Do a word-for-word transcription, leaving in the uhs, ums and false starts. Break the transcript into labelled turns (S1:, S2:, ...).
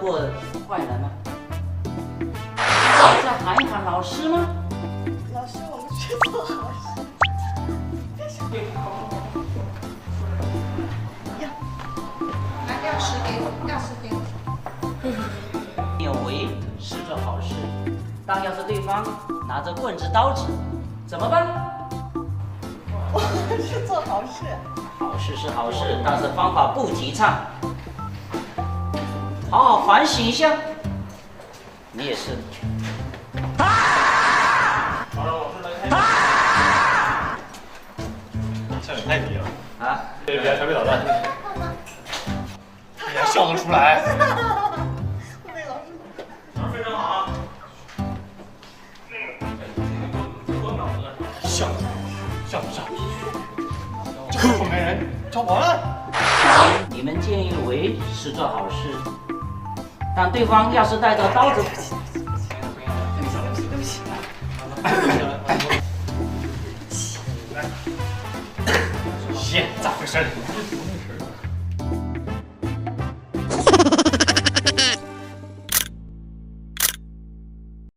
S1: 过坏人呢？再喊一喊老师吗？
S2: 老师，我们去做好事。呀，
S3: 来钥匙给我，钥匙给我。
S1: 你有为是做好事，但要是对方拿着棍子、刀子，怎么办？
S2: 我们是做好事。
S1: 好事是好事，但是方法不提倡。好好反省一下。你也是。
S4: 好，让老师来开。笑点太低了
S1: 啊！
S4: 别别调皮捣蛋，你还笑得出来？
S2: 我被老师。
S4: 老师非常好啊。笑笑不笑？这个后面人找我了。
S1: 你们见义勇为是做好事，但对方要是带着刀子，
S2: 对不起。
S4: 谢，咋回事？